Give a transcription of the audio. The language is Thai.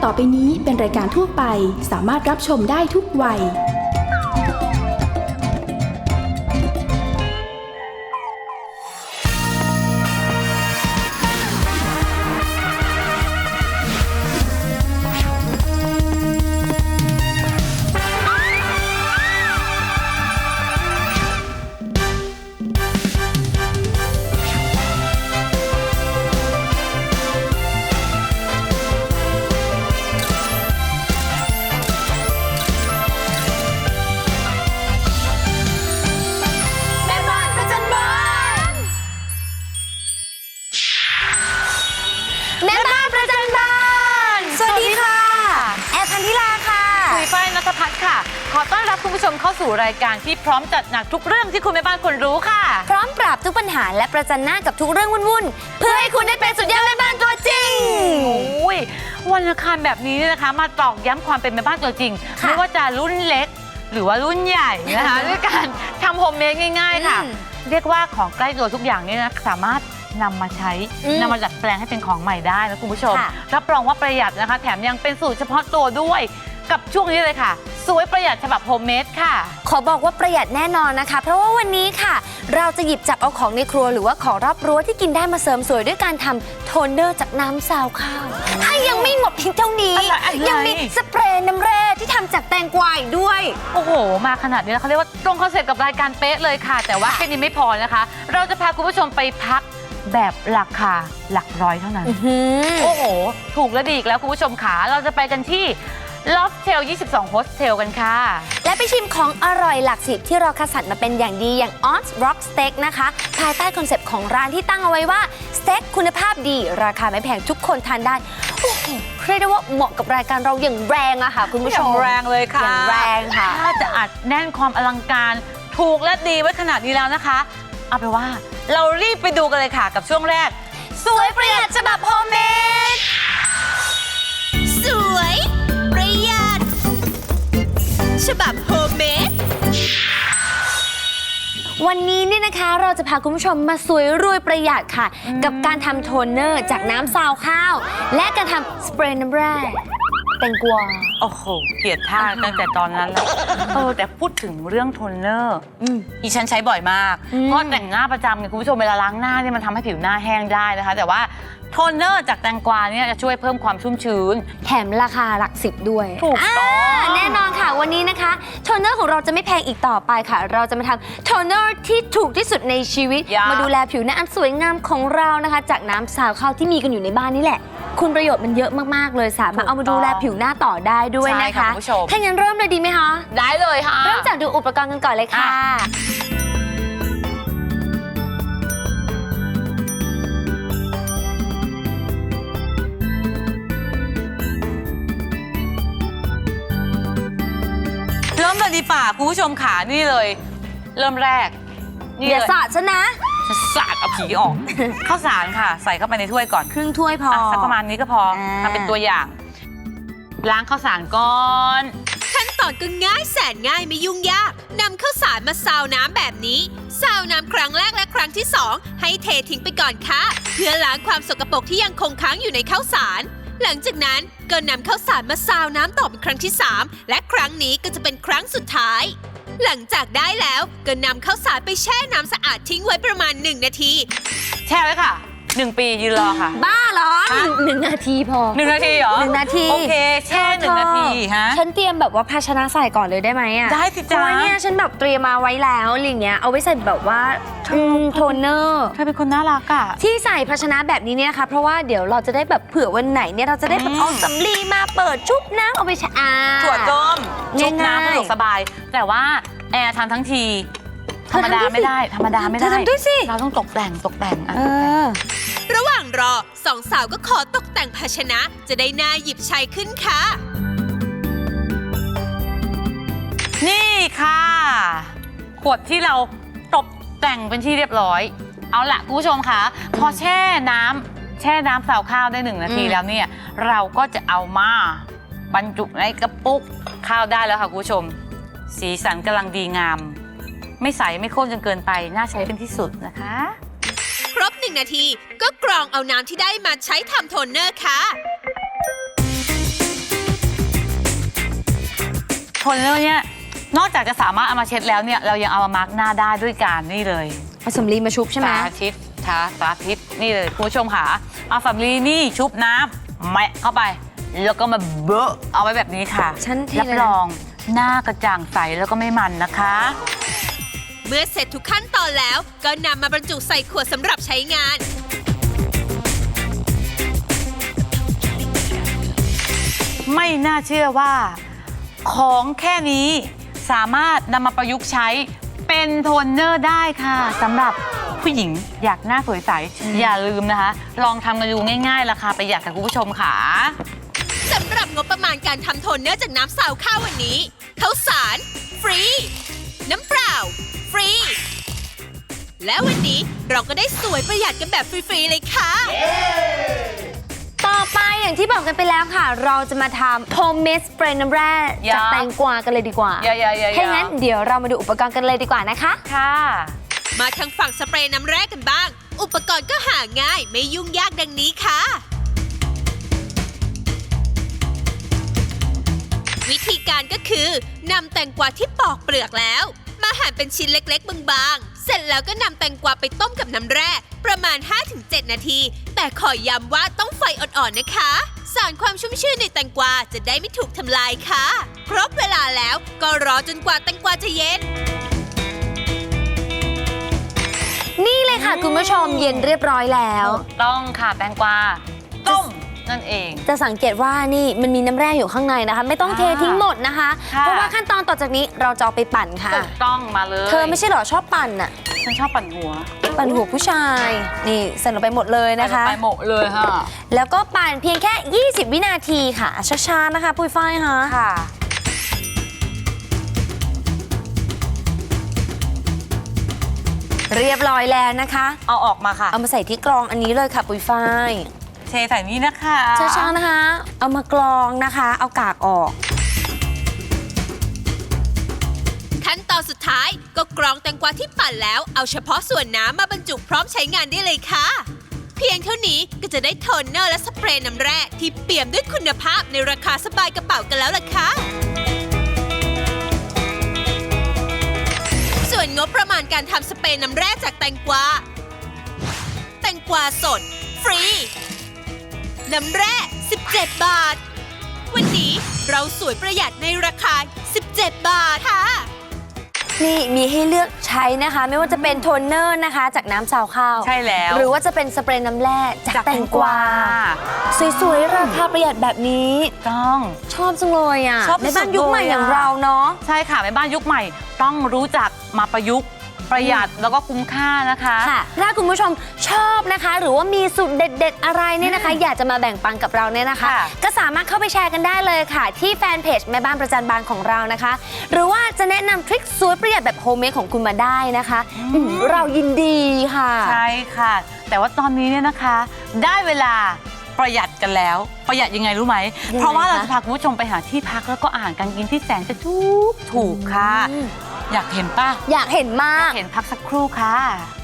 ต่อไปนี้เป็นรายการทั่วไปสามารถรับชมได้ทุกวัยขอต้อนรับคุณผู้ชมเข้าสู่รายการที่พร้อมจัดหนักทุกเรื่องที่คุณแม่บ้านควรรู้ค่ะพร้อมปราบทุกปัญหาและประจันหน้ากับทุกเรื่องวุ่นๆเพื่อให้คุณได้เป็นสุดยอดแม่บ้านตัวจริงวันอังคารแบบนี้นะคะมาตอกย้ำความเป็นแม่บ้านตัวจริงไม่ว่าจะรุ่นเล็กหรือว่ารุ่นใหญ่นะคะด้วยการทำโฮมเมดง่ายๆค่ะเรียกว่าของใกล้ตัวทุกอย่างนี่นะสามารถนำมาใช้นำมาดัดแปลงให้เป็นของใหม่ได้นะคุณผู้ชมรับรองว่าประหยัดนะคะแถมยังเป็นสูตรเฉพาะตัวด้วยกับช่วงนี้เลยค่ะสวยประหยัดฉบับโฮมเมดค่ะขอบอกว่าประหยัดแน่นอนนะคะเพราะว่าวันนี้ค่ะเราจะหยิบจับเอาของในครัวหรือว่าของรอบรั้วที่กินได้มาเสริมสวยด้วยการทำโทนเนอร์จากน้ำซาวข้าวยังไม่หมดเพียงเท่านี้ยังมีสเปรย์น้ำแร่ที่ทำจากแตงกวาอีกด้วยโอ้โหมาขนาดนี้แล้วเขาเรียกว่าตรงคอนเซ็ปต์กับรายการเป๊ะเลยค่ะแต่ว่าแค่นี้ไม่พอนะคะเราจะพาคุณผู้ชมไปพักแบบราคาหลักร้อยเท่านั้นโอ้โหถูกและดีอีกแล้วคุณผู้ชมขาเราจะไปกันที่Loftel 22 Hostel กันค่ะและไปชิมของอร่อยหลักสิบที่เราคัดสรรมาเป็นอย่างดีอย่าง Oz Rock Steak นะคะภายใต้คอนเซปต์ของร้านที่ตั้งเอาไว้ว่าสเต็กคุณภาพดีราคาไม่แพงทุกคนทานได้โอ้โหเรียกได้ว่าเหมาะกับรายการเราอย่างแรงอะค่ะคุณผู้ชมอย่างแรงเลยค่ะอย่างแรงค่ะถ้าจะอัดแน่นความอลังการถูกและดีไว้ขนาดนี้แล้วนะคะเอาไปว่าเรารีบไปดูกันเลยค่ะกับช่วงแรกสวยประหยัดฉบับโฮมเมดสวยประหยัดฉบับโฮมเมดวันนี้เนี่ยนะคะเราจะพาคุณผู้ชมมาสวยรวยประหยัดค่ะกับการทำโทนเนอร์จากน้ำซาวข้าวและการทำสเปรย์น้ำแร่แตงกวาโอ้โหเกลียดท่าตั้งแต่ตอนนั้นแล้วแต่พูดถึงเรื่องโทนเนอร์ดิฉันใช้บ่อยมากเพราะแต่งหน้าประจำเนี่ยคุณผู้ชมเวลาล้างหน้าเนี่ยมันทำให้ผิวหน้าแห้งได้นะคะแต่ว่าโทนเนอร์จากแตงกวาเนี่ยจะช่วยเพิ่มความชุ่มชื้นแถมราคาหลักสิบด้วยถูกต้องแน่นอนค่ะวันนี้นะคะโทนเนอร์ของเราจะไม่แพงอีกต่อไปค่ะเราจะมาทำโทนเนอร์ที่ถูกที่สุดในชีวิตมาดูแลผิวหน้าอันสวยงามของเรานะคะจากน้ำซาวข้าวที่มีกันอยู่ในบ้านนี่แหละคุณประโยชน์มันเยอะมากๆเลยสามารถเอามาดูแลผิวหน้าต่อได้ด้วยนะคะถ้างั้นเริ่มเลยดีไหมคะได้เลยค่ะเริ่มจากดูอุปกรณ์กันก่อนเลยค่ะเริ่มเลยดีป่ะคุณผู้ชมขานี่เลยเริ่มแรกเดี๋ยวสาดซะนะสาดเอาผีออกข้าวสารค่ะใส่เข้าไปในถ้วยก่อนครึ่งถ้วยพอสักประมาณนี้ก็พอทำเป็นตัวอย่างล้างข้าวสารก่อนขั้นตอนก็ง่ายแสนง่ายไม่ยุ่งยากนำข้าวสารมาซาวน้ำแบบนี้ซาวน้ำครั้งแรกและครั้งที่2ให้เททิ้งไปก่อนค่ะเพื่อล้างความสกปรกที่ยังคงค้างอยู่ในข้าวสารหลังจากนั้นก็นำข้าวสารมาซาวน้ำต่อเป็นครั้งที่3และครั้งนี้ก็จะเป็นครั้งสุดท้ายหลังจากได้แล้วก็นำข้าวสารไปแช่น้ำสะอาดทิ้งไว้ประมาณ1 นาทีแช่ไว้ค่ะ1 ปียืนรอค่ะบ้าเหรอ1 นาทีพอ 1 นาทีเหรอ 1 นาทีโอเคแช่1 นาทีฮะฉันเตรียมแบบว่าภาชนะใส่ก่อนเลยได้ไหมอ่ะได้สิจ๊ะเนี่ยฉันแบบเตรียมมาไว้แล้วอะไรเงี้ยเอาไว้ใส่แบบว่าโทนเนอร์เธอเป็นคนน่ารักอ่ะที่ใส่ภาชนะแบบนี้เนี่ยค่ะเพราะว่าเดี๋ยวเราจะได้แบบเผื่อวันไหนเนี่ยเราจะได้แบบเอาสำลีมาเปิดชุบน้ำเอาไปชะถั่วต้มชุบน้ำสะดวกสบายแต่ว่าแอร์ทำทั้งทีธรรมดาไม่ได้ธรรมดาไม่ได้เราต้องตกแต่งระหว่างรอสองสาวก็ขอตกแต่งภาชนะจะได้น่าหยิบใช้ขึ้นค่ะนี่ค่ะขวดที่เราตกแต่งเป็นที่เรียบร้อยเอาละคุณผู้ชมคะพอแช่น้ำซาวข้าวได้1 นาทีแล้วเนี่ยเราก็จะเอามาบรรจุในกระปุกข้าวได้แล้วค่ะคุณผู้ชมสีสันกำลังดีงามไม่ใสไม่ข้นจนเกินไปน่าใช้เป็นที่สุดนะคะครบ1 นาทีก็กรองเอาน้ำที่ได้มาใช้ทำโทนเนอร์ค่ะโทนเนอร์เนี่ยนอกจากจะสามารถเอามาเช็ดแล้วเนี่ยเรายังเอามามาร์กหน้าได้ด้วยการนี่เลยเอาสำลีมาชุบใช่ไหมสาธิตนี่เลยคุณผู้ชมค่ะเอาสำลีนี่ชุบน้ำแมะเข้าไปแล้วก็มาเบอะเอาไว้แบบนี้ค่ะชั้นที่รับรองหน้ากระจ่างใสแล้วก็ไม่มันนะคะเมื่อเสร็จทุกขั้นตอนแล้วก็นำมาบรรจุใส่ขวดสำหรับใช้งานไม่น่าเชื่อว่าของแค่นี้สามารถนำมาประยุกต์ใช้เป็นโทนเนอร์ได้ค่ะสำหรับผู้หญิงอยากหน้าสวยใสอย่าลืมนะคะ ลองทำกันดูง่ายๆราคาประหยัดค่ะคุณผู้ชมค่ะสำหรับงบประมาณการทำโทนเนอร์จากน้ำซาวข้าววันนี้ข้าวสารฟรี น้ำเปล่าฟรี และวันนี้เราก็ได้สวยประหยัดกันแบบฟรีๆเลยค่ะต่อไปอย่างที่บอกกันไปแล้วค่ะ เราจะมาทำโฮมเมดสเปรย์น้ำแร่จากแตงกวากันเลยดีกว่าอย่าถ้างั้นเดี๋ยวเรามาดูอุปกรณ์กันเลยดีกว่านะคะค่ะมาทางฝั่งสเปรย์น้ำแร่กันบ้าง อุปกรณ์ก็หาง่ายไม่ยุ่งยากดังนี้ค่ะ วิธีการก็คือนำแตงกวาที่ปอกเปลือกแล้ว มาหั่นเป็นชิ้นเล็กๆบางๆ เสร็จแล้วก็นำแตงกวาไปต้มกับน้ำแร่ประมาณ 5-7 นาที แต่ขอย้ำว่าต้องไฟอ่อนๆนะคะ สารความชุ่มชื่นในแตงกวาจะได้ไม่ถูกทำลายค่ะ ครบเวลาแล้วก็รอจนกว่าแตงกวาจะเย็นนี่เลยค่ะคุณผู้ชมเย็นเรียบร้อยแล้วต้องค่ะแตงกวาต้มนั่นเองจะสังเกตว่านี่มันมีน้ำแร่อยู่ข้างในนะคะ ไม่ต้องเททิ้งหมดนะคะค่ะเพราะว่าขั้นตอนต่อจากนี้เราจะเอาไปปั่นค่ะถูกต้องมาเลยเธอไม่ใช่เหรอชอบปั่นอะฉันชอบปั่นหัวปั่นหัวผู้ชาย นี่ใส่ลงไปหมดเลยนะคะไปหมดเลยค่ะแล้วก็ปั่นเพียงแค่ 20 วินาทีค่ะช้าๆนะคะปุ้ยฝ้ายค่ะค่ะเรียบร้อยแล้วนะคะเอาออกมาค่ะเอามาใส่ที่กรองอันนี้เลยค่ะปุ้ยฝ้ายเทใส่นี้นะคะช้าๆนะคะ เอามากรองนะคะ เอากากออกขั้นตอนสุดท้ายก็กรองแตงกวาที่ปั่นแล้วเอาเฉพาะส่วนน้ำมาบรรจุพร้อมใช้งานได้เลยค่ะ เพียงเท่านี้ก็จะได้โทนเนอร์และสเปรย์น้ำแร่ที่เปี่ยมด้วยคุณภาพในราคาสบายกระเป๋ากันแล้วล่ะค่ะ ส่วนงบประมาณการทำสเปรย์น้ำแร่จากแตงกวาสด ฟรี น้ำแร่ 17 บาท วันนี้เราสวยประหยัดในราคา 17 บาทค่ะนี่มีให้เลือกใช้นะคะ ไม่ว่าจะเป็นโทนเนอร์นะคะ จากน้ำซาวข้าวใช่แล้วหรือว่าจะเป็นสเปรย์น้ำแร่จากแตงกวา สวยๆ ราคาประหยัดแบบนี้ต้องชอบจังเลยอ่ะชอบในบ้านยุคใหม่สุดๆเลยอะอย่างเราเนาะใช่ค่ะแม่บ้านยุคใหม่ต้องรู้จักมาประยุกต์ประหยัดแล้วก็คุ้มค่านะคะค่ะ ถ้าคุณผู้ชมชอบนะคะ หรือว่ามีสูตรเด็ด ๆ อะไรเนี่ยนะคะ อยากจะมาแบ่งปันกับเราเนี่ยนะคะค่ะก็สามารถเข้าไปแชร์กันได้เลยค่ะ ที่แฟนเพจแม่บ้านประจันบานของเรานะคะ หรือว่าจะแนะนำทริคสวยประหยัดแบบโฮมเมดของคุณมาได้นะคะเรายินดีค่ะใช่ค่ะ แต่ว่าตอนนี้เนี่ยนะคะ ได้เวลาประหยัดกันแล้ว ประหยัดยังไงรู้ไหมยังไงเพราะว่าเราคะจะพาคุณผู้ชมไปหาที่พักแล้วก็อาหารการกินที่แสนจะถูกค่ะ อยากเห็นป่ะอยากเห็นมากเห็นพักสักครู่ค่ะ